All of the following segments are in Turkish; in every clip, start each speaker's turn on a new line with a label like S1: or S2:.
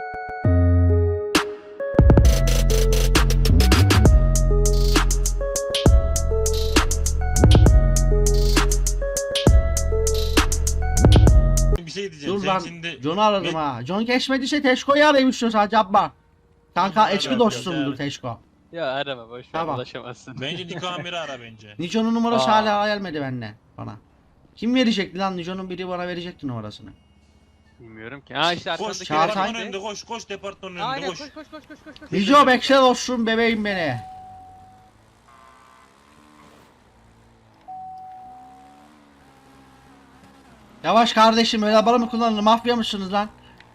S1: Bir şey diyeceğim.
S2: Dur
S1: Sen
S2: lan.
S1: şimdi
S2: John'u aradım ha. John geçmediyse Teşko'yu arayayım istiyorsan yapma. Kanka
S1: Ara,
S2: eski
S1: ara,
S2: dostumdur
S1: ara.
S2: Teşko.
S3: Ya arama boş ver,
S2: Tamam.
S3: ulaşamazsın.
S1: bence Niko Amir'i ara bence.
S2: Nico'nun numarası
S3: Aa.
S2: hala gelmedi benden bana. Kim verecekti lan? Nico'nun biri bana verecekti numarasını.
S3: Bilmiyorum ki. Ha işte
S1: Koş
S3: arkandaki
S2: Çağatay.
S1: departmanın
S3: öyle.
S1: önünde koş. Koş departmanın önünde
S3: Aynen
S1: koş.
S3: koş koş koş koş koş koş.
S2: Nico bekle dostum bebeğim beni. Yavaş kardeşim öyle araba mı kullanılır? Mafya mısınız lan?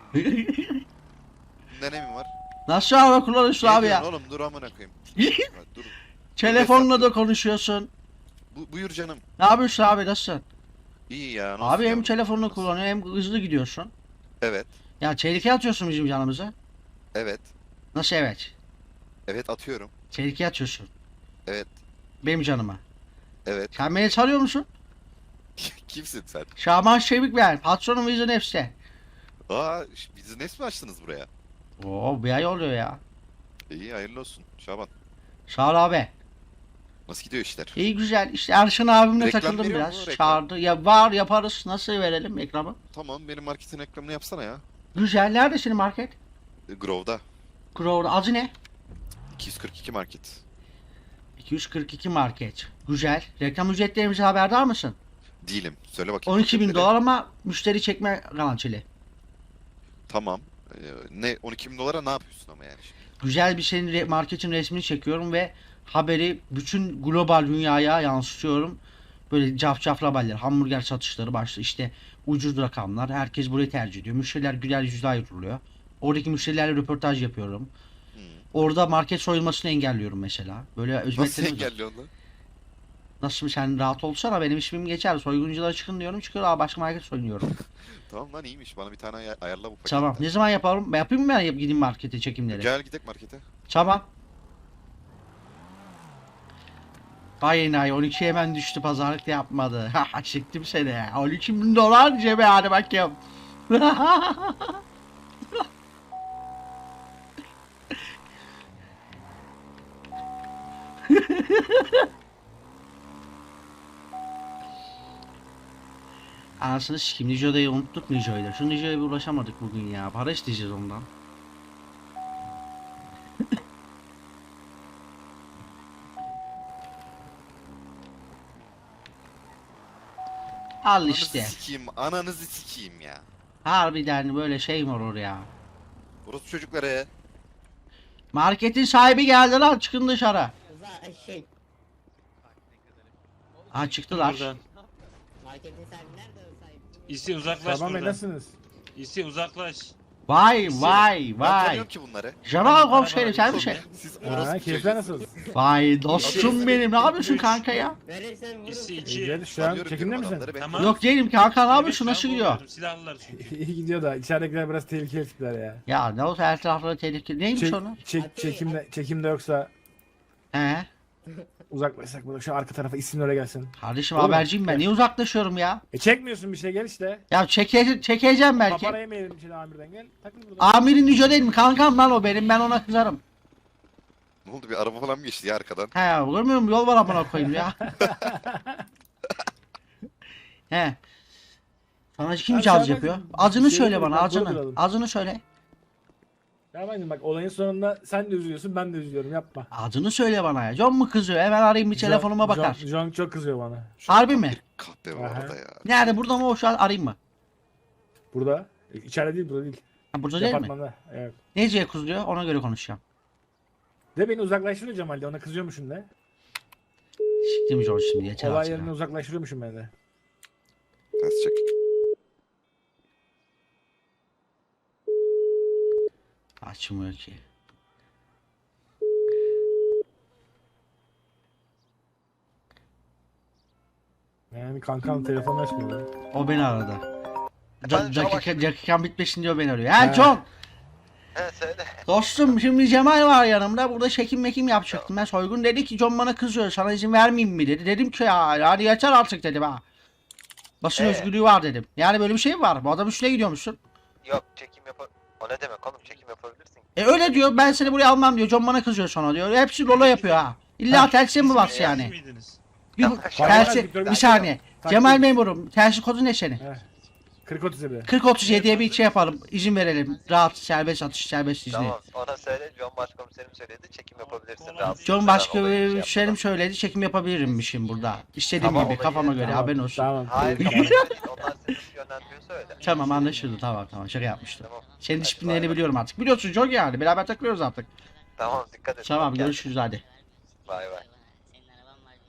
S4: Ne mi var?
S2: Nasıl araba kullanıyorsun
S4: Ne
S2: abi
S4: diyorsun
S2: ya?
S4: oğlum, dur amına koyayım. Ha, dur.
S2: Telefonla da konuşuyorsun.
S4: Buyur canım.
S2: Ne yapıyorsun abi nasılsın?
S4: İyi ya. nasıl
S2: Abi hem
S4: yavrum?
S2: telefonunu
S4: Nasıl?
S2: kullanıyor hem hızlı gidiyorsun.
S4: Evet.
S2: Ya tehlikeye atıyorsun bizim canımıza.
S4: Evet.
S2: Nasıl evet?
S4: Evet atıyorum.
S2: Tehlikeye atıyorsun.
S4: Evet.
S2: Benim canıma.
S4: Evet.
S2: Sen beni tanıyor musun?
S4: Kimsin sen?
S2: Şaban Şevik ben. Patronum Vision F'ste.
S4: Aa, business mi açtınız buraya?
S2: Oo bir ay oluyor ya.
S4: İyi, hayırlı olsun Şaban.
S2: Sağ ol abi.
S4: Nasıl gidiyor işler?
S2: İyi güzel. İşte Erşan abimle
S4: Reklam
S2: takıldım
S4: veriyor
S2: biraz.
S4: mu, reklam?
S2: Çağırdı. Ya var yaparız. Nasıl verelim reklamı?
S4: Tamam, benim marketin reklamını yapsana ya.
S2: Güzel. Nerede senin market?
S4: Grove'da.
S2: Grover. Adı ne?
S4: 242 market.
S2: 242 market. Güzel. Reklam ücretlerimize haberdar mısın?
S4: Değilim. Söyle bakayım.
S2: 12.000
S4: ücretleri.
S2: dolar ama müşteri çekme garantili.
S4: Tamam. Ne 12.000 dolara ne yapıyorsun ama yani şimdi?
S2: Güzel bir senin marketin resmini çekiyorum ve haberi bütün global dünyaya yansıtıyorum. Böyle cafcaflı haberler, hamburger satışları başlı işte ucuz rakamlar. Herkes burayı tercih ediyor. Müşteriler güler yüzle ayrılıyor. Oradaki müşterilerle röportaj yapıyorum.
S4: Hmm.
S2: Orada market soyulmasını engelliyorum mesela. Böyle
S4: Nasıl
S2: hizmetlerimiz var.
S4: engelliyorsun lan?
S2: Nasıl sen rahat olsana benim ismim geçer. Soygunculara çıkın diyorum çıkıyor. Aa başka market soyunuyorum.
S4: Tamam lan, iyiymiş. Bana bir tane ayarla bu paketi.
S2: Tamam. Ne zaman yapalım? Ben yapayım mı ben gideyim markete çekimleri?
S4: Gel gidelim markete.
S2: Tamam. Vay enayi 12 hemen düştü pazarlık da yapmadı. Ha çektim seni. 12.000 dolar cebe hadi bakayım. Anasını sikim Nijo'dayı unuttuk Nijo'yu da. Şu Nijo'ya bir ulaşamadık bugün ya. Para isteyeceğiz ondan. Al
S4: Ananızı
S2: işte.
S4: sikeyim, ananızı sikeyim ya.
S2: Harbiden böyle şey mi olur ya?
S4: Burası çocuklara.
S2: Marketin sahibi geldi lan çıkın dışarı.
S5: Şey,
S2: Ha çıktılar.
S1: Buradan.
S5: marketin sahibi nerede o sahibi?
S1: İsi uzaklaş
S6: Şaban Bey
S1: buradan.
S6: nasılsınız?
S1: İsi uzaklaş.
S2: Vay vay
S4: Ben
S2: vay.
S4: tanıyorum ki bunları.
S2: Jamal komiserim sen misin?
S4: Siz
S6: Ha,
S4: orası
S6: keyifler nasıl?
S2: Vay dostum benim ne yapıyorsun kanka ya?
S5: Verirsen vururum.
S1: İsi
S6: İyi,
S1: 2.
S6: hadi şu an çekimde misin?
S1: Tamam.
S2: Yok değilim kanka ne
S1: Evet,
S2: yapıyorsun nasıl
S1: ben
S2: gidiyor?
S1: vurmuyorum, Silahlılar çünkü.
S6: İyi gidiyor da içeridekiler biraz tehlikeli tipler ya.
S2: Ya ne olsa her tarafları tehlikeli. Neymiş onu?
S6: Çekimde yoksa
S2: He?
S6: uzaklaşsak burada şu arka tarafa isim öyle gelsin.
S2: Kardeşim
S6: Olur mu?
S2: haberciyim ben.
S6: Gel.
S2: Niye uzaklaşıyorum ya?
S6: Çekmiyorsun bir şey gel işte.
S2: Ya çekeceğim belki.
S6: Papara yemeyelim şimdi amirden gel. Takıl burada.
S2: Amirin Nico değil mi? Kankam lan o benim. Ben ona kızarım.
S4: Ne oldu, bir araba falan mı geçti ya arkadan?
S2: He görmüyor musun? Yol var amına koyayım ya. He. Sana kim
S6: Abi
S2: caz
S6: sen
S2: yapıyor?
S6: bak,
S2: Adını
S6: şey
S2: söyle
S6: yapalım,
S2: bana
S6: bak,
S2: adını.
S6: duralım.
S2: Adını söyle.
S6: Ya bak olayın sonunda sen de üzülüyorsun ben de üzülüyorum yapma.
S2: Adını söyle bana ya. John mu kızıyor? Hemen arayayım bir telefonuma bakar.
S6: John çok kızıyor bana.
S2: Harbi mi?
S4: Kahpe var
S6: Aha.
S4: orada ya.
S2: Nerede? Burada mı o şu an arayayım mı?
S6: Burada. İçeride değil burada değil.
S2: Ha, burada değil mi?
S6: Departmanda. Evet.
S2: Neciye kızıyor? Ona göre konuşacağım.
S6: De beni uzaklaştırıyor Cemal de ona kızıyormuşum de.
S2: Siktim John şimdi yeter
S6: Olay
S2: artık
S6: yerine
S2: ya.
S6: uzaklaştırıyormuşum ben de.
S4: Ters çek.
S2: Açmıyor ki.
S6: Yani kankam telefonu açmıyor.
S2: O beni aradı.
S7: Efendim,
S2: Dakikam bitmesin diyor beni arıyor. He John!
S7: He söyle.
S2: Dostum şimdi Cemal var yanımda. Burada çekim mekim yapacaktım. Ben soygun dedi ki John bana kızıyor. Sana izin vermeyeyim mi dedi. Dedim ki ya hadi yeter artık dedim ha. Basın özgürlüğü var dedim. Yani böyle bir şey mi var? Bu adam üstüne gidiyormuşsun.
S7: Yok çekim yapar. O ne demek oğlum, çekim
S2: Öyle diyor. Ben seni buraya almam diyor. John bana kızıyor sonra diyor. Hepsi Lolo yapıyor ha. İlla tersiye mi bas
S1: Siz
S2: yani?
S1: miydiniz?
S2: Bir, tersi, bir saniye. Cemal memurum. Tersi kodu ne senin?
S6: 40-37.
S2: 40-37'ye bir şey yapalım. İzin verelim. Rahat, serbest atış, serbest izni.
S7: Tamam ona söyle. John Başkomiserim söyledi. Çekim yapabilirsin. rahatsız
S2: John
S7: etmeden olayı şey
S2: başkomiserim
S7: yapmadan.
S2: söyledi. Çekim yapabilirimmişim burada. İstediğim
S7: Tamam,
S2: gibi
S7: olayı-
S2: kafama göre
S7: tamam,
S2: haberin olsun.
S6: Tamam.
S7: Hayır kafana göre değil. Onlar seni yönlendiriyorsa öyle.
S2: Tamam anlaşıldı. Tamam şaka yapmıştım.
S7: Tamam.
S2: Senin
S7: Hadi
S2: disiplinlerini
S7: bay bay.
S2: biliyorum artık. Biliyorsun John yani. Beraber takılıyoruz artık.
S7: Tamam dikkat et.
S2: Tamam
S7: Bak kendine.
S2: görüşürüz hadi.
S7: Bay bay.
S5: Senin araban var.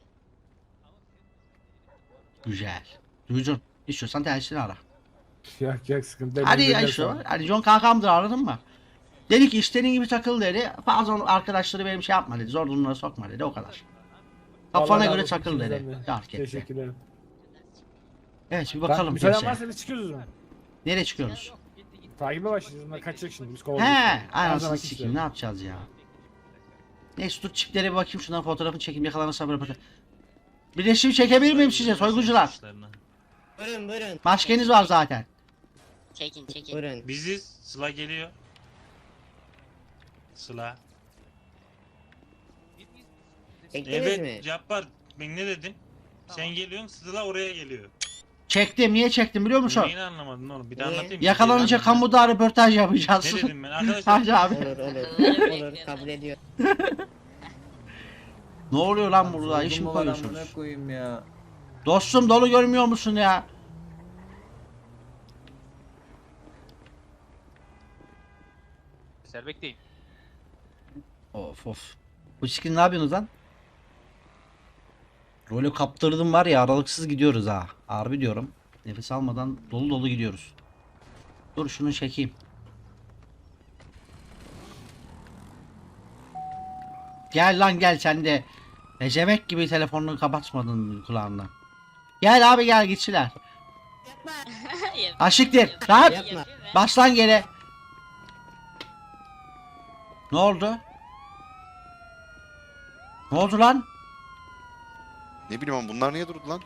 S2: Güzel. Duydun. İstiyorsan tersini ara.
S6: Yok sıkıntı yok.
S2: Hadi
S6: Ben
S2: ya
S6: de
S2: şu.
S6: sana.
S2: Hadi John kankamdır anladın mı? Dedi ki istediğin gibi takıl dedi. Bazı arkadaşları benim şey yapma dedi. Zor durumlara sokma dedi. O kadar. Kafana
S6: Allah
S2: göre
S6: razı olsun
S2: takıl dedi.
S6: ikimizden de.
S2: Fark etti.
S6: Teşekkür ederim.
S2: Evet bir
S6: Bak,
S2: bakalım
S6: müsaaden
S2: piyasaya.
S6: varsa biz çıkıyoruz o zaman.
S2: Nereye çıkıyoruz?
S6: Takibe başlayacağız. Bunlar kaçacak şimdi. Biz
S2: He,
S6: kovalıyoruz. Her
S2: anasını
S6: zamanki
S2: sikeyim
S6: işler.
S2: ne yapacağız ya? Neyse dur çiplere bir bakayım şundan fotoğrafını çekeyim yakalanırsa böyle bakayım. Bir resim çekebilir miyim size soyguncular?
S5: Buyurun.
S2: Maskeniz var zaten.
S5: Çekin. Buyurun.
S1: Biziz. Sıla geliyor. Sıla.
S5: Çektiniz mi?
S1: Evet Cabbar. Ben ne dedim? Sen geliyorsun Sıla oraya geliyor.
S2: Çektim niye çektim biliyor musun?
S1: Neyini anlamadın oğlum? Bir daha
S5: Niye?
S1: anlatayım. mı?
S2: Yakalanınca kamuda röportaj yapacağız.
S1: Ne dedim ben? Arkadaşlar
S2: Hadi abi.
S5: Olur kabul ediyor.
S2: Ne oluyor lan burada iş mi
S8: Buldum lan,
S2: koyuyorsunuz?
S8: amına koyayım ya.
S2: Dostum dolu görmüyor musun ya?
S3: Serbest değil.
S2: Of. Bu skin ne yapıyorsunuz lan? Rolü kaptırdım var ya aralıksız gidiyoruz ha. Harbi diyorum. Nefes almadan dolu gidiyoruz. Dur şunu çekeyim. Gel lan gel sen de. Ecemek gibi telefonunu kapatmadın kulağından. Gel abi gel gitsinler. Aşıktır. Rahat.
S5: Yapma.
S2: Bas lan geri. Ne oldu? Ne oldu lan?
S4: Ne bileyim ama bunlar niye durdu lan?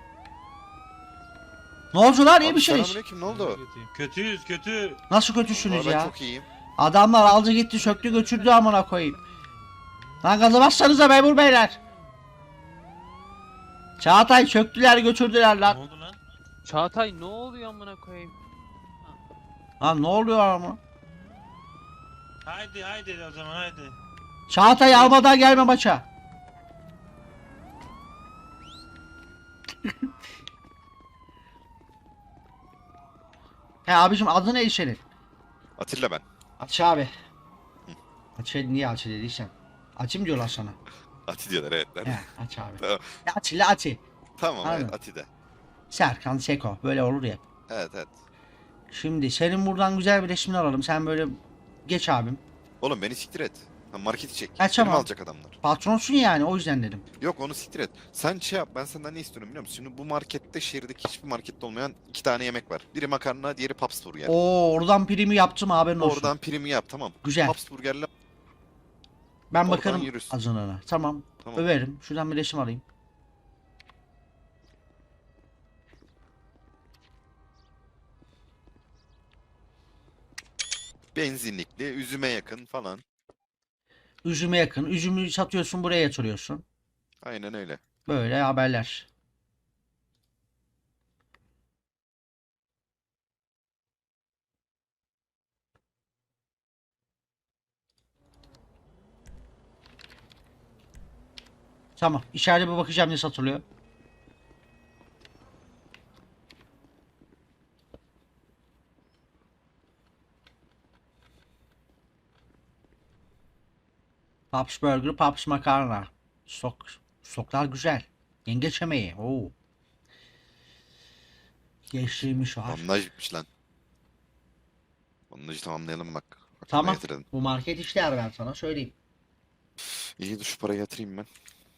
S2: Ne oldu lan iyi
S4: Abi
S2: misiniz?
S4: selamünaleyküm, ne oldu?
S1: Kötüyüz kötü.
S2: Nasıl kötüsünüz
S4: Ben
S2: ya?
S4: çok iyiyim.
S2: Adamlar aldı gitti söktü götürdü amına koyayım. Lan gaza bassanıza memur beyler. Çağatay söktüler götürdüler
S1: Ne
S2: lan.
S1: oldu lan?
S3: Çağatay ne oluyor amına koyayım?
S2: Lan ne oluyor ama?
S1: Haydi o zaman haydi.
S2: Çağatay almadan gelme maça. He abicim adı ne senin?
S4: Atilla ben.
S2: Aç abi. Aç niye aç dediysen. Açım diyorlar sana.
S4: Ati diyorlar evet.
S2: He aç abi.
S4: Tamam.
S2: Aç ile aç.
S4: Tamam
S2: Aynen.
S4: evet Ati de.
S2: Serkan Seko böyle olur ya.
S4: Evet.
S2: Şimdi senin buradan güzel bir resmini alalım. Sen böyle geç abim.
S4: Oğlum beni siktir et. Lan marketi çek.
S2: Ha, tamam.
S4: Elimi alacak adamlar.
S2: Patronsun yani o yüzden dedim.
S4: Yok onu siktir et. Sen şey yap, ben senden ne istiyorum biliyor musun? Şimdi bu markette şehirdeki hiçbir markette olmayan 2 tane yemek var. Biri makarna, diğeri Paps burger.
S2: Oo oradan primi yaptım haberin olsun.
S4: Oradan primi yap tamam.
S2: Güzel.
S4: Paps burgerle
S2: Ben
S4: oradan
S2: bakarım
S4: yürüsün.
S2: azınlığına. Tamam.
S4: Tamam.
S2: Överim. Şuradan bir resim alayım.
S4: Benzinlikli, üzüme yakın falan.
S2: Üzüme yakın. Üzümü satıyorsun buraya yatırıyorsun.
S4: Aynen öyle.
S2: Böyle haberler. Tamam. İçeride bir bakacağım ne satılıyor. Paps Burger, Paps Makarna. Stoklar güzel. Yengeç yemeği. Oo. Gençliğimiz var.
S4: Bandaj bitmiş lan. Bandajı tamamlayalım bak. Aklıma
S2: Tamam.
S4: getirelim.
S2: Bu market işler ben sana söyleyeyim.
S4: İyi dur şu parayı yatırayım ben.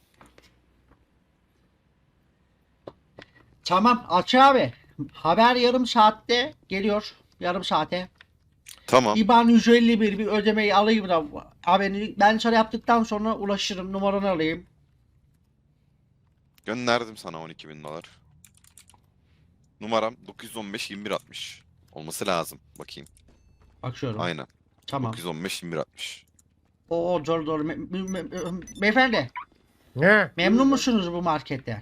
S2: Tamam Açı abi. Haber yarım saatte geliyor. Yarım saate.
S4: Tamam.
S2: İBAN 151 bir ödemeyi alayım da abi ben sana yaptıktan sonra ulaşırım numaranı alayım.
S4: Gönderdim sana 12.000 dolar. Numaram 915 2160. Olması lazım. Bakayım.
S2: Bakıyorum.
S4: Aynen.
S2: Tamam.
S4: 915 2160.
S2: Oo doğru doğru. Beyefendi
S8: Ne?
S2: memnun musunuz bu marketten?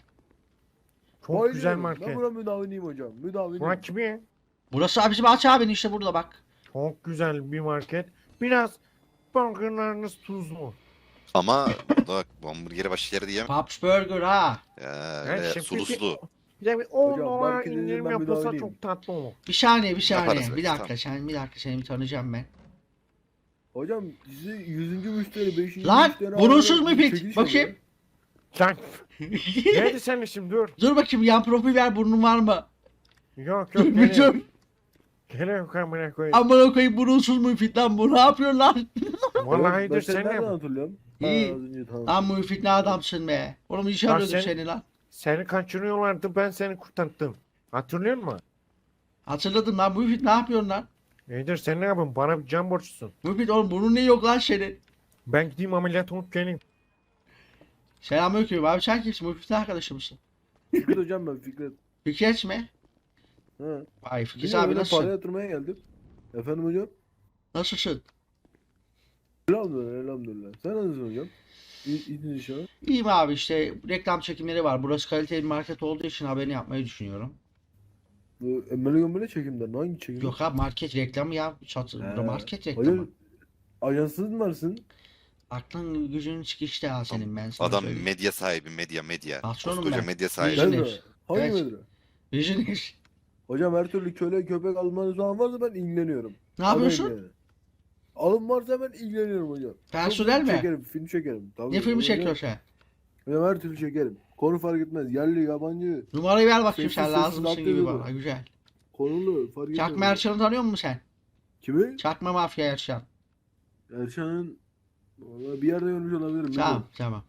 S8: Çok güzel market.
S6: Ben buna müdaviniyim hocam. Müdaviniyim.
S8: Burak kimi?
S2: Burası abi bizim Aç abinin işte burada bak.
S8: Çok güzel bir market. Biraz burgerlarınız tuzlu.
S4: Ama bak bu hamburgeri başka yerde yiyemem.
S2: Pops Burger ha.
S4: Ya
S8: Her
S4: öyle
S8: şey-
S4: suluslu.
S8: Bir de bir 10
S6: Hocam,
S8: dolar
S6: marketin
S8: indirim
S6: ben
S8: yapılsa
S6: müdavileyim.
S8: çok tatlı olur.
S2: Bir saniye bir
S4: Yaparız
S2: saniye.
S4: belki,
S2: Bir dakika
S4: tamam.
S2: seni bir tanıyacağım ben.
S6: Hocam sizi 100. müşteri 5.
S2: Lan,
S6: müşteri
S2: burunsuz
S6: alarak
S2: müfit,
S6: çekiliş
S2: bakayım.
S6: oluyor.
S8: Sen neydi senin işin dur.
S2: Dur bakayım yan profil ver burnun var mı?
S8: Yok yok
S2: Bir
S8: geliyor.
S2: dur.
S8: Geliyor amına koyayım.
S2: Amına koyayım burunsuz müfit lan bu ne yapıyorsun lan?
S8: Vallahi
S6: Ben
S8: dur
S6: seni
S8: sen
S6: nereden
S8: ne?
S6: hatırlıyorum?
S2: İyi.
S6: Ha, az önce tamam.
S2: Lan müfit ne adamsın be. Oğlum iş
S8: Lan
S2: arıyordum
S8: sen-
S2: seni lan.
S8: Seni kaçırıyorlardı ben seni kurtardım. Hatırlıyor musun?
S2: Hatırladım lan müfit ne yapıyorsun lan?
S8: İyidir sen ne yapıyorsun? Bana bir can borçlusun.
S2: Müfit oğlum burnun ne yok lan senin?
S8: Ben gideyim ameliyat olup geleyim.
S2: Selamünaleyküm abi sen kimsin? Müfit'in arkadaşı mısın?
S6: Fikret hocam ben Fikret.
S2: Fikret mi?
S6: Ha.
S2: Vay Fikret
S6: Biliyorum,
S2: abi
S6: öyle para
S2: nasılsın?
S6: yatırmaya geldim. Efendim hocam?
S2: Nasılsın?
S6: Elhamdülillah elhamdülillah. Sen nasılsın hocam? İyisin inşallah.
S2: İyiyim abi işte reklam çekimleri var. Burası kaliteli bir market olduğu için haberini yapmayı düşünüyorum.
S6: Bu Emmeli Gömbeli çekimden hangi çekim?
S2: Yok abi market reklamı ya. Burada
S6: He.
S2: market reklamı.
S6: Hocam ajansız mı varsın?
S2: Aklın gücün çıkıştı ha senin ben sana
S4: Adam
S2: söyleyeyim.
S4: medya sahibi, medya.
S2: Patronum
S4: Koskoca
S2: ben.
S4: medya sahibi.
S2: Visioner.
S6: Gel mi? Hangi
S2: Evet.
S6: medre?
S2: Visioner.
S6: Hocam her türlü köle köpek almanız falan varsa ben ilgileniyorum.
S2: Ne yapıyorsun?
S6: Alın yani. Alım varsa ben ilgileniyorum hocam.
S2: Personel
S6: Film
S2: mi?
S6: Çekerim, film çekerim. Tabii,
S2: Ne filmi
S6: hocam.
S2: çekiyorsun sen?
S6: Hocam her türlü çekerim. Konu fark etmez. Yerli, yabancı,
S2: Numarayı ver bakayım
S6: Sessiz
S2: sen
S6: sessiz
S2: lazımsın
S6: alt
S2: gibi
S6: yazı
S2: bana.
S6: var.
S2: Güzel.
S6: konulu fark etmez.
S2: Çakma Erşan'ı tanıyor musun sen?
S6: Kimi?
S2: Çakma Mafya Erşan.
S6: Erşan'ın vallahi bir yerde görmüş olabilirim.
S2: Tamam tamam.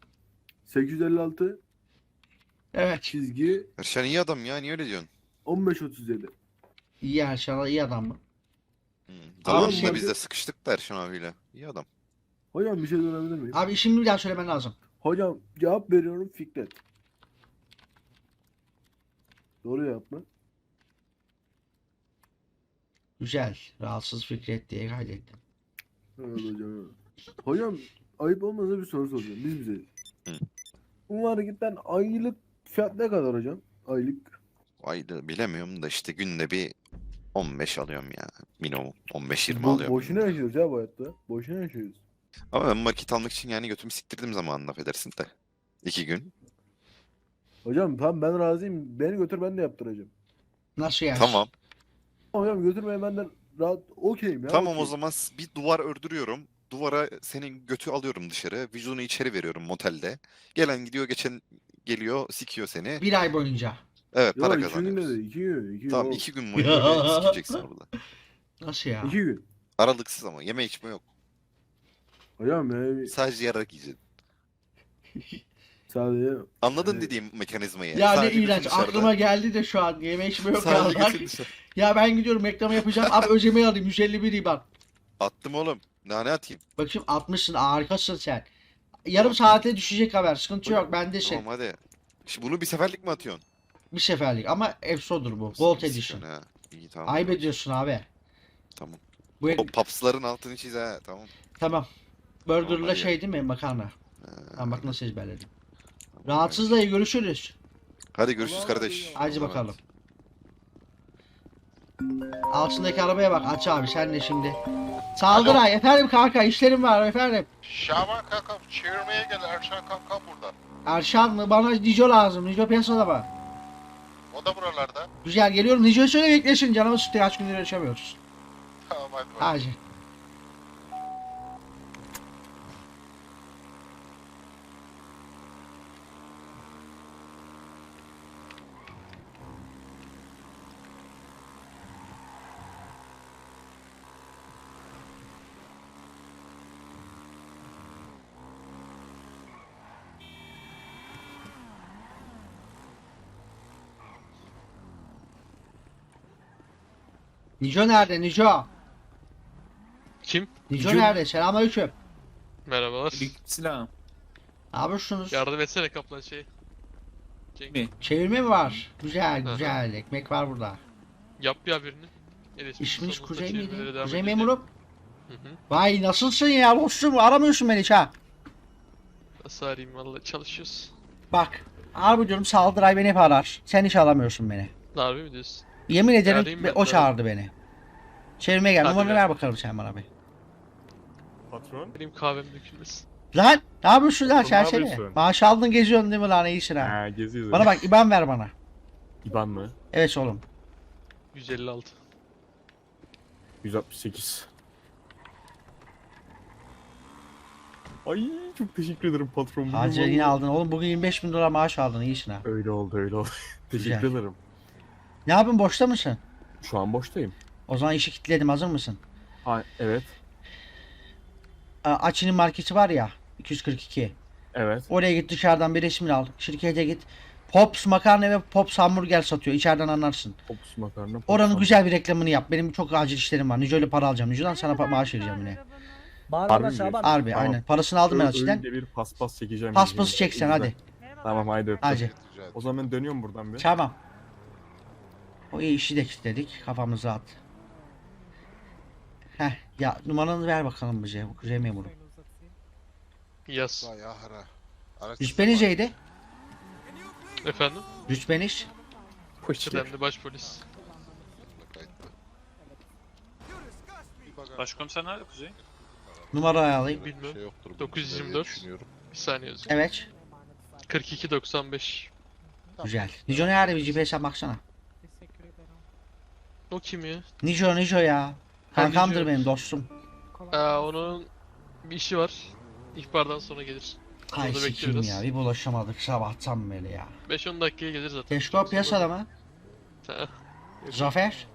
S6: 856
S2: Evet.
S6: çizgi
S4: Erşen iyi adam ya, niye öyle diyorsun?
S6: 1537.
S2: İyi Erşan iyi adam mı?
S4: Zamanında
S6: abi-
S4: biz de sıkıştık da Erşen abiyle. İyi adam.
S6: Hocam bir şey sorabilir miyim?
S2: Abi işimi bir daha söylemen lazım.
S6: Hocam cevap veriyorum Fikret. Doğru cevap mı?
S2: Güzel. Rahatsız Fikret diye kaydettim.
S6: Evet hocam. Evet. Hocam ayıp olmasa bir soru soracağım. Biz bize.
S4: Hı.
S6: Bu marketten aylık fiyat ne kadar hocam? Aylık.
S4: Ayda bilemiyorum da işte günde bir 15 alıyorum ya. Minimum 15-20
S6: Bu-
S4: alıyorum.
S6: boşuna yaşıyoruz ya bu hayatta. Boşuna yaşıyoruz.
S4: Ama ben market almak için yani götümü siktirdim zamanında, affedersin de. 2 gün.
S6: Hocam tamam ben razıyım. Beni götür ben de yaptıracağım.
S2: Nasıl yani?
S4: Tamam.
S6: Hocam götürmeye benden rahat okeyim ya.
S4: Tamam o
S6: okeyim.
S4: zaman bir duvar ördürüyorum. Duvara senin götü alıyorum dışarı. Vücudunu içeri veriyorum motelde. Gelen gidiyor, geçen geliyor, sikiyor seni.
S2: Bir ay boyunca.
S4: Evet,
S6: Yok
S4: para
S6: 2 gün
S4: kazanıyoruz.
S6: dedi. 2 gün. 2 gün.
S4: Tamam
S6: oğlum.
S4: 2 gün boyunca böyle sikeceksin orada.
S2: Nasıl ya?
S6: 2 gün.
S4: Aralıksız ama yeme içme yok.
S6: Hocam yani
S4: Sadece yarak yiyeceksin.
S6: sadece
S4: Anladın
S6: Evet.
S4: dediğim mekanizmayı.
S2: Ya ne
S4: Sadece götün
S2: iğrenç.
S4: dışarıda.
S2: Aklıma geldi de şu an. Yeme içme yok
S4: Sadece
S2: ya.
S4: götün dışarı.
S2: Ya ben gidiyorum reklamı yapacağım. Abi ödemeyi alayım. 151 IBAN.
S4: Attım oğlum. Daha ne atayım?
S2: Bakayım 60'sın. Harikasın sen. Yarım saate düşecek haber. Sıkıntı yok. Bendesin.
S4: Tamam hadi. Şimdi bunu bir seferlik mi atıyorsun?
S2: Bir seferlik. Ama Efso'dur bu. Gold
S4: Sen
S2: Edition.
S4: ha. İyi tamam.
S2: Ayıp ediyorsun abi.
S4: Tamam.
S2: Bu
S4: O papsların altını çiz ha. Tamam.
S2: tamam.
S4: Tamam,
S2: Burger'la
S4: hadi.
S2: şey değil mi? Makarna.
S4: Ha,
S2: Tamam bak nasıl ezberledim.
S4: tamam,
S2: Rahatsız dayı görüşürüz.
S4: Hadi görüşürüz kardeş.
S2: Hadi
S4: Allah'a
S2: bakalım.
S4: emanet.
S2: Altındaki arabaya bak. Aç abi sen de şimdi. Saldır ay. Efendim kanka işlerim var efendim.
S9: Şaban kankam çevirmeye gel, Erşan kankam burada.
S2: Erşan mı? Bana Nico lazım. Nico piyasada mı?
S9: O da buralarda.
S2: Güzel geliyorum. Nico'yu söyle beklesin. Canımı sıktı. Kaç gündür yaşamıyoruz.
S9: Tamam hadi bakalım.
S2: Hadi. Nico nerede? Nico.
S3: Kim?
S2: Nico nerede? Selamünaleyküm.
S3: Merhabalar.
S10: Selam.
S2: Ne yapıyorsunuz?
S3: Yardım etsene kaplan şey.
S10: Mi?
S2: Çevirme mi var? Güzel
S3: Hı hı.
S2: güzel. Ekmek var burada.
S3: Yap ya birini. El ismi
S2: İsminiz
S3: sonunda
S2: Kuzey
S3: çevirmelere
S2: miydi?
S3: devam
S2: Kuzey
S3: edeceğim.
S2: memurum.
S3: Hı hı.
S2: Vay nasılsın ya dostum, aramıyorsun beni hiç ha.
S3: Nasıl arayayım valla çalışıyoruz.
S2: Bak harbi diyorum, Saldıray beni hep arar. Sen hiç aramıyorsun beni.
S3: Harbi mi diyorsun?
S2: Yemin ederim
S3: Arayayım ben
S2: o
S3: de.
S2: çağırdı beni. Çevirmeye gel,
S3: Hadi
S2: numaranı
S3: ver.
S2: ver bakalım sen bana bir.
S8: Patron.
S3: Benim kahvem dökülmesin.
S2: Lan ne yapıyorsun lan
S8: Ne
S2: serseri?
S8: yapıyorsun?
S2: Maaş aldın geziyorsun değil mi lan, iyisin ha.
S8: Ha geziyoruz.
S2: Bana bak IBAN ver bana.
S8: İban mı?
S2: Evet oğlum.
S3: 156.
S8: 168. Ay çok teşekkür ederim patron. Bugün
S2: Hacı yine
S8: vallahi-
S2: aldın oğlum, bugün 25 bin dolar maaş aldın, iyisin ha.
S8: Öyle oldu öyle oldu. Teşekkür
S2: Güzel.
S8: ederim.
S2: Ne yapıyorsun, boşta mısın?
S8: Şu an boştayım.
S2: O zaman işi kilitledim, hazır mısın?
S8: Ha evet.
S2: Açı'nın marketi var ya 242.
S8: Evet.
S2: Oraya git, dışarıdan bir resmini al. Şirkete git. Pops makarna ve Pops hamburger satıyor. İçeriden anlarsın.
S8: Popus makarna. popus
S2: Oranın
S8: hamburger.
S2: güzel bir reklamını yap. Benim çok acil işlerim var. Nico'yla para alacağım. Nico'dan sana maaş vereceğim yine.
S6: Bağırma
S8: Harbi
S6: Şaban.
S8: mi?
S2: Harbi
S8: Tamam.
S2: aynen. Parasını aldım ben Açı'dan.
S8: Öyle bir paspas çekeceğim.
S2: Paspası
S8: yiyeceğim.
S2: çeksen
S8: Güzel.
S2: hadi.
S8: Tamam haydi öptüm.
S2: Hadi.
S8: O zaman ben dönüyorum buradan bir.
S2: Tamam. O iyi işi de kilitledik. Kafamız rahat. Heh ya, numaranı ver bakalım bize. Bu kuzey memuru.
S3: Yaz.
S2: Rütbenizeydi.
S3: Efendim?
S2: Rütbeniz.
S3: Kıdemli başpolis.
S1: Başkomiser nerede Kuzey?
S2: Numarayı alayım.
S3: Bilmiyorum.
S4: Şey yoktur bunun
S3: 924.
S4: diye düşünüyorum.
S3: Bir saniye yazayım.
S2: Evet.
S3: 4295.
S2: Güzel. Nico nerede, bir GPS'e baksana.
S3: O kim ya?
S2: Nico ya. Kankamdır
S3: Nico.
S2: benim dostum.
S3: Onun bir işi var. İhbardan sonra gelir.
S2: Ay
S3: Orada
S2: sikim
S3: bekliyoruz.
S2: ya, bir bulaşamadık sabahtan beri ya.
S3: 5-10 dakikaya gelir zaten.
S2: Teşkil piyasada mı?
S3: Ha,
S2: Zafer?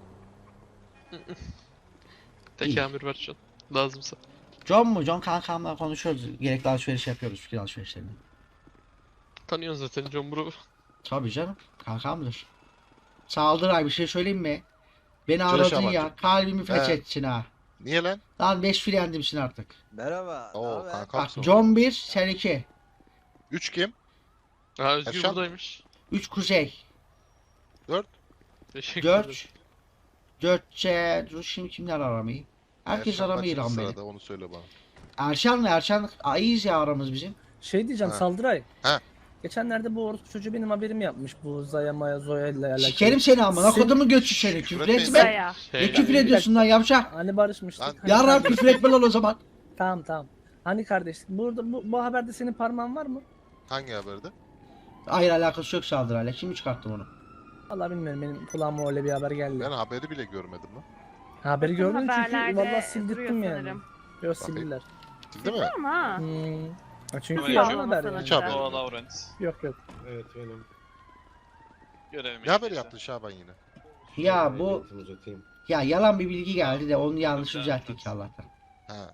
S3: tek amir var şu an. Lazımsa.
S2: John mu? John kankamla konuşuyoruz. Gerekli alışveriş yapıyoruz, fikir alışverişlerini.
S3: Tanıyorsun zaten John Bro.
S2: Tabii canım. Kankamdır. Saldıray, bir şey söyleyeyim mi? Beni
S4: Söyle
S2: aradın
S4: Şabancığım.
S2: ya. Kalbimi
S4: He.
S2: fethetsin ha.
S4: Niye lan?
S2: Lan 5 filendimsin artık.
S7: Merhaba.
S4: Oo
S2: Bak
S4: kankamsın.
S2: John 1, sen 2.
S4: 3 kim?
S3: Ha Özgür
S4: Erşan.
S3: buradaymış.
S2: 3 Kuzey.
S4: 4.
S3: Teşekkür ederim.
S2: 4. Dur şimdi kimler aramayı? Herkes aramıyor lan beni.
S4: Sırada onu söyle bana.
S2: Erşan iyiyiz ya aramız bizim.
S6: Şey diyeceğim
S4: Ha.
S6: Saldıray.
S4: Ha.
S6: Geçenlerde bu orospu çocuğu benim haberim yapmış bu Zaya Maya Zoya ile alakalı.
S2: Sikerim seni amına
S6: Sen-
S2: kodumu götü seni, küfür
S4: etmeyin.
S2: etme. Ne küfür ediyorsun lan yavşak?
S6: Hani barışmıştık.
S4: Lan-
S6: Hani
S2: Yarram
S6: kardeş-
S2: küfür etme lan o zaman.
S6: Tamam. Hani kardeşlik. Burada bu haberde senin parmağın var mı?
S4: Hangi haberde?
S2: Hayır, alakası yok Saldırayla. Kim çıkarttı onu?
S6: Vallahi bilmiyorum, benim kulağıma öyle bir haber geldi.
S4: Ben haberi bile görmedim lan.
S6: Haberi gördüm çünkü
S11: Haberlerde
S6: vallahi sildirttim
S11: duruyor
S6: yani.
S11: sanırım.
S6: Yok sildiler.
S4: Değil mi?
S11: Ama
S6: Ha, çünkü
S1: Öyle
S6: yalan
S1: şey
S6: haber
S11: olmasın
S6: yani.
S4: Hiç haberim
S1: Noah
S4: yok.
S1: Lawrence.
S6: Yok.
S9: Evet benim.
S1: Görelim.
S4: Ne haber yaptın Şaban yine?
S2: Ya bu... Ya yalan bir bilgi geldi de onu yanlış düzelttik Allah'tan.
S4: Ha.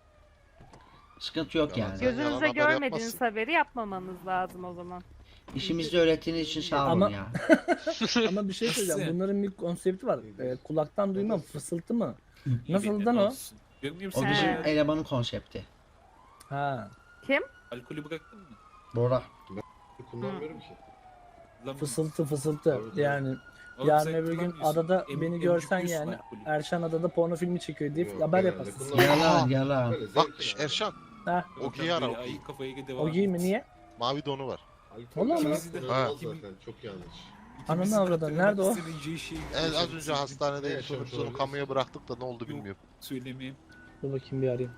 S2: Sıkıntı yok
S4: Yalan
S2: yani.
S4: Sen yalan
S11: gözünüzde
S4: haber
S11: görmediğiniz
S4: yapmazsın.
S11: haberi yapmamanız lazım o zaman.
S2: İşimizde öğrettiğiniz için sağ olun
S6: Ama-
S2: ya.
S6: Ama bir şey söyleyeceğim. Bunların bir konsepti var. Kulaktan duymam, fısıltı mı? Nasıldan o?
S10: Görmüyor
S2: O
S10: musun?
S2: bizim
S11: He.
S2: elemanın konsepti.
S6: Ha.
S11: Kim?
S10: Alkolü bıraktın mı?
S2: Bora.
S9: Kullanmıyorum ki.
S10: Lan
S6: Fısıltı. Yani
S10: oğlum
S6: yarın
S10: sen
S6: öbür gün
S10: kullanmıyorsun.
S6: adada
S10: Em-
S6: beni görsen
S10: emcikliyorsun
S6: yani
S10: alkolü.
S6: Erşan adada porno filmi çekiyor deyip haber yaparsın.
S2: Yalan.
S4: Bak Erşan.
S6: Ha.
S4: Ogi'yi ara
S10: Böyle
S4: Ogi.
S10: ayı kafaya devam
S6: O giyimi niye?
S4: Mavi donu var.
S6: Vallahi mi?
S4: Ha.
S9: Çok yanlış.
S6: Ananı avradan, nerede o?
S4: Az önce hastanedeydi. Sonuçta kamuya bıraktık da ne oldu bilmiyorum.
S10: Söylemeyeyim.
S6: Dur bakayım bir arayayım.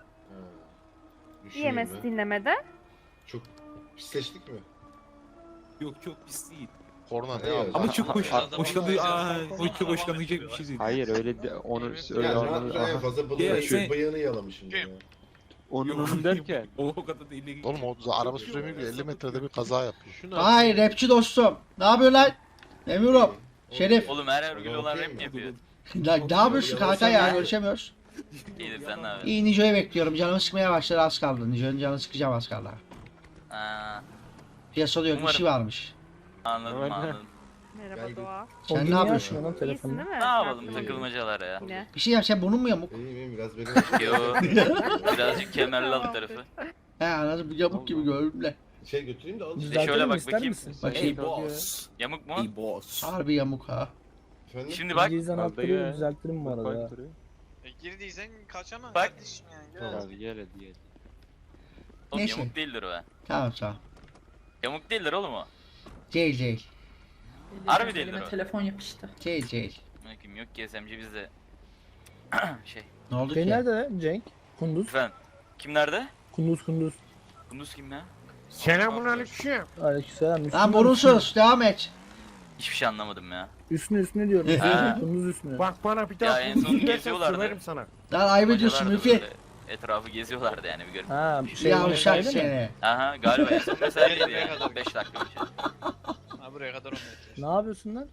S11: IMS dinlemede.
S9: Çok pisleştik mi?
S10: Yok çok pis değil.
S4: Korna ne
S9: Hayır.
S4: abi?
S10: Ama çok hoşlanacak bir şey değil.
S12: Hayır öyle de onu öyle
S9: Yani
S12: anladım.
S9: en fazla
S10: Ya,
S9: balığı
S10: sen-
S9: bıyığını yalamışım ya.
S12: Onun derken
S10: O kadar da ileri.
S4: Oğlum o araba süremiyor ki 50 metrede bir kaza yapıyor.
S3: Şunu
S2: Ay rapçi dostum. Ne yapıyor lan? Emirum. Şerif.
S9: Oğlum her örgülü olan rap mi yapıyor?
S2: Lan ne yapıyorsun kanka ya, görüşemiyoruz.
S9: İyidir sen ne abi?
S2: İyi, Nico'yu bekliyorum. Canımı sıkmaya başladı, az kaldı. Nico'nun canını sıkacağım az kaldı. Piyasada yok, işi varmış.
S9: Anladım
S11: Merhaba Doğa.
S2: Sen
S6: O
S2: ne
S6: niye
S2: yapıyorsun?
S6: açmıyor lan
S11: İyisin
S6: telefonu?
S11: değil mi?
S9: Ne yapalım
S11: Sakin ol.
S9: takılmacalar ya.
S11: Yine.
S2: Bir şey yap, sen bunun mu yamuk?
S9: İyiyim biraz benim. Yo. Birazcık kemerli alt tarafı.
S2: He anladım, yamuk gibi gördüm de.
S9: Şey götüreyim de al.
S6: Düzeltelim
S9: bak
S6: ister
S9: bakayım.
S6: misin?
S2: Bakayım.
S10: boss.
S9: Yamuk mu?
S10: Hey boss.
S2: Harbi yamuk ha.
S9: Efendim?
S7: Şimdi bak.
S6: Cizan
S12: Vallahi
S6: attırıyor,
S12: ya.
S6: düzeltirim bu arada.
S7: Girdiysen kaçamam
S9: Bak.
S7: kardeşim yani.
S12: Abi gel hadi gel.
S2: Oğlum Neyse. yamuk
S7: değildir o.
S2: Tamam tamam.
S7: Yamuk değildir oğlum o.
S2: Değil.
S7: Harbi değildir o.
S11: telefon yapıştı.
S2: Değil.
S7: Yok ki SMC bizde. Şey.
S2: Ne oldu
S6: Şey
S2: ki?
S6: nerede lan Cenk? Kunduz.
S7: Efendim. Kim nerede?
S6: Kunduz.
S7: Kunduz kim ya?
S8: Selamun aleyküm.
S6: Aleykümselam.
S2: Lan borunsuz devam et.
S7: Hiçbir şey anlamadım ya.
S6: Üstüne diyorum.
S7: Ha.
S6: Kunduz üstüne.
S8: Bak bana bir
S7: Ya
S8: daha
S7: en
S8: kunduz
S7: son
S8: dersen
S7: geziyorlardı.
S8: söverim sana.
S2: Lan ayıp ediyorsun
S7: Bacalardı
S2: Müfi.
S7: böyle, etrafı geziyorlardı yani bir görün.
S6: Ha şey
S2: Ya uşak
S6: öyle mi?
S2: seni.
S7: Aha galiba en son mesaiydi yani. 5 dakika önce.
S9: Ha buraya kadar 10 metre.
S6: Ne yapıyorsun lan?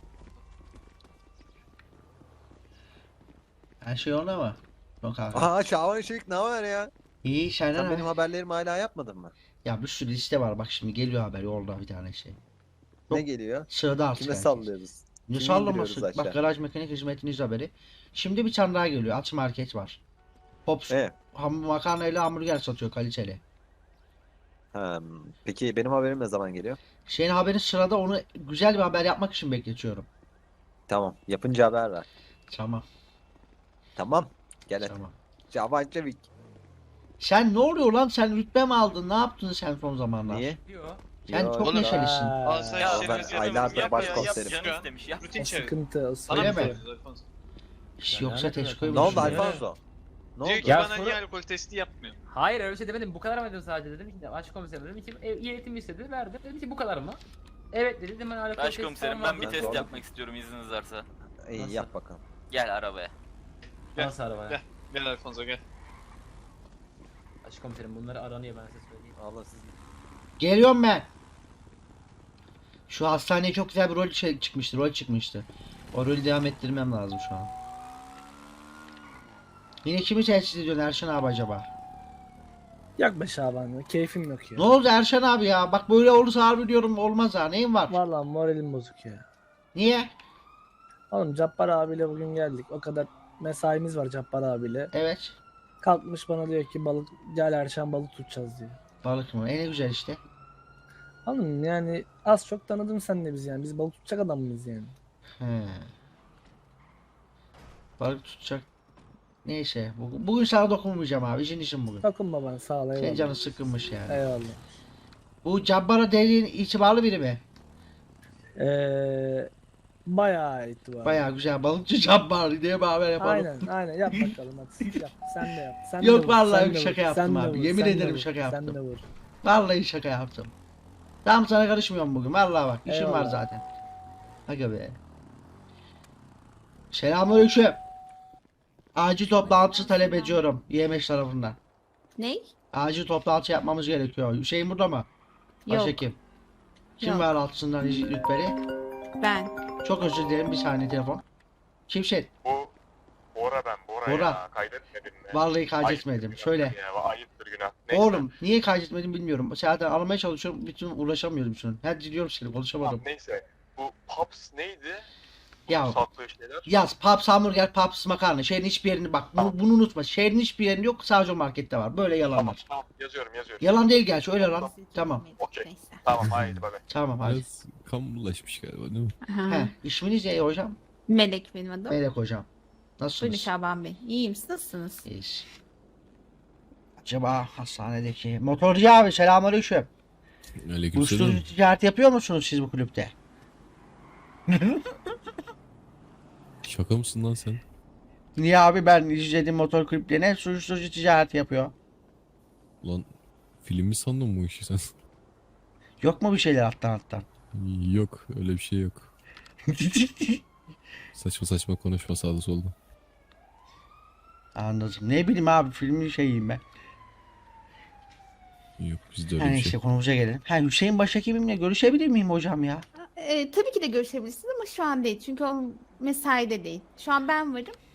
S2: Her şey onda mı? Yok abi.
S7: Aha Şaban Işık ne var ya?
S2: İyi senden abi.
S7: haberlerimi hala yapmadın mı?
S2: Ya bir sürü liste var bak şimdi geliyor haber yolda bir tane şey. Yok.
S7: geliyor?
S2: Sığda artık herkes.
S7: sallıyoruz?
S2: Ne
S7: Kimi
S2: sallaması?
S7: indiriyoruz
S2: Bak
S7: aşağı?
S2: garaj mekanik hizmetiniz haberi. Şimdi bir tane daha geliyor. Aç market var. Pops makarnayla hamburger satıyor kaliteli.
S7: Peki benim haberim ne zaman geliyor?
S2: Şeyin haberi sırada onu güzel bir haber yapmak için bekletiyorum.
S7: Tamam. Yapınca haber ver.
S2: Tamam.
S7: Tamam. Gel
S2: Tamam.
S7: Şaban Çevik.
S2: Sen ne oluyor lan? Sen rütbe mi aldın? Ne yaptın sen son zamanlar? Sen
S7: Yo,
S2: çok
S7: oğlum.
S2: neşelisin.
S6: Aa,
S7: Ya ben aylardır başkomiserim.
S9: Canı istemiş ya. Rutin çevir.
S6: sıkıntı.
S2: Öyle
S6: sıkıntı.
S2: mi? Hiç yoksa teşekkür
S7: Ne oldu
S2: ederim.
S7: Alfonso? Ne
S9: Diyor
S7: oldu?
S9: ki
S6: Ya
S9: bana
S6: sonra-
S9: niye alkol testi yapmıyor?
S6: Hayır öyle bir şey demedim. Bu kadar mı dedim sadece dedim ki başkomiserim dedim ki eğitim istedi verdim. Dedim ki bu kadar mı? Evet dedi. Dedim ben alakalı
S7: Başkomiserim ben bir test
S6: yapmak.
S7: yapmak istiyorum izniniz varsa. İyi
S6: Nasıl?
S7: yap bakalım. Gel arabaya.
S6: Nasıl arabaya?
S9: Gel. Gel Alfonso gel.
S6: Başkomiserim bunları aranıyor ben size söyleyeyim.
S7: Allah siz.
S2: Geliyorum ben. Şu hastaneye çok güzel bir rol çıkmıştı. O rolü devam ettirmem lazım şu an. Yine kimi tehdit ediyorsun Erşan abi acaba?
S6: Yok be Şaban ya. Keyfim yok ya.
S2: Ne oldu Erşan abi ya? Bak böyle olursa harbi diyorum olmaz ha. Neyin var?
S6: Vallahi moralim bozuk ya.
S2: Niye?
S6: Oğlum Cabbar abiyle bugün geldik. O kadar mesaimiz var Cabbar abiyle.
S2: Evet.
S6: Kalkmış bana diyor ki balık gel Erşan balık tutacağız diyor.
S2: Balık mı? Ne güzel işte.
S6: Oğlum yani az çok tanıdın sen de biz yani. Biz balık tutacak adam mıyız yani?
S2: He. Balık tutacak. Neyse. Bugün sana dokunmayacağım abi. İşin bugün.
S6: Dokunma bana sağ ol eyvallah.
S2: Senin canın sıkılmış yani.
S6: Eyvallah.
S2: Bu Cabbar'a dediğin itibarlı biri mi?
S6: Bayağı itibarlı.
S2: Bayağı güzel. Balıkçı Cabbar diye bir haber yapalım.
S6: Aynen yap bakalım hadi yap. Sen de yap. Sen
S2: Yok
S6: de vur,
S2: vallahi
S6: sen de
S2: şaka
S6: vur,
S2: yaptım
S6: sen de
S2: abi.
S6: vur,
S2: Yemin
S6: sen de
S2: ederim
S6: vur,
S2: şaka yaptım.
S6: Sen de vur.
S2: Vallahi şaka yaptım. Tamam sana karışmıyorum bugün. Vallahi bak işim var
S6: Eyvallah.
S2: zaten. Aga be. Selamünaleyküm. Acil toplantı talep ediyorum YMH tarafından.
S11: Ney?
S2: Acil toplantı yapmamız gerekiyor. Hüseyin burada mı? Başka
S11: Yok.
S2: kim? Kim
S11: Yok.
S2: var altısından rütbeli?
S11: Ben.
S2: Çok özür dilerim bir saniye telefon. Kimsin?
S9: Bora ben Bora,
S2: Bora.
S9: ya. Kaydetmedin mi?
S2: Vallahi kaydetmedim.
S9: Ayıptır
S2: Söyle.
S9: günah Ya, ayıptır günah. Neyse.
S2: Oğlum niye kaydetmedim bilmiyorum. Zaten aramaya çalışıyorum. Bütün uğraşamıyorum şunu. Hadi diliyorum seni konuşamadım.
S9: Tamam, neyse. Bu Pops neydi?
S2: Ya
S9: Sattığı şeyler.
S2: yaz Paps hamburger, Paps makarna. Şehrin hiçbir yerini bak. Bunu unutma. Şehrin hiçbir yerinde yok. Sadece o markette var. Böyle
S9: Tamam
S2: yalanlar.
S9: tamam yazıyorum.
S2: Yalan değil gerçi öyle lan. Tamam.
S9: Okey. Tamam haydi bay bay.
S2: Tamam hadi.
S10: Biraz kamulaşmış galiba değil mi?
S2: He, isminiz ne hocam?
S11: Melek benim adım.
S2: Melek hocam.
S11: Buyurun
S2: Nasılsınız?
S11: Şaban Bey. İyiyim siz nasılsınız?
S2: İyiyiz. Acaba hastanedeki motorcu abi selamünaleyküm.
S10: Aleykümselam.
S2: Uyuşturucu ticareti yapıyor musunuz siz bu kulüpte?
S10: Şaka mısın lan sen?
S2: Niye abi ben izlediğim motor kulüplerine hep uyuşturucu ticareti yapıyor.
S10: Lan film mi sandın bu işi sen?
S2: Yok mu bir şeyler alttan?
S10: Yok öyle bir şey yok. Saçma saçma konuşma sağda solda.
S2: Anladım. Ne bileyim abi filmin şeyiyim ben.
S10: Yok bizde öyle
S2: Her
S10: bir
S2: neyse
S10: şey.
S2: konumuza gelelim. Ha Hüseyin Başhekimimle görüşebilir miyim hocam ya?
S11: Tabii ki de görüşebilirsiniz ama şu an değil. Çünkü o mesaide değil. Şu an ben varım.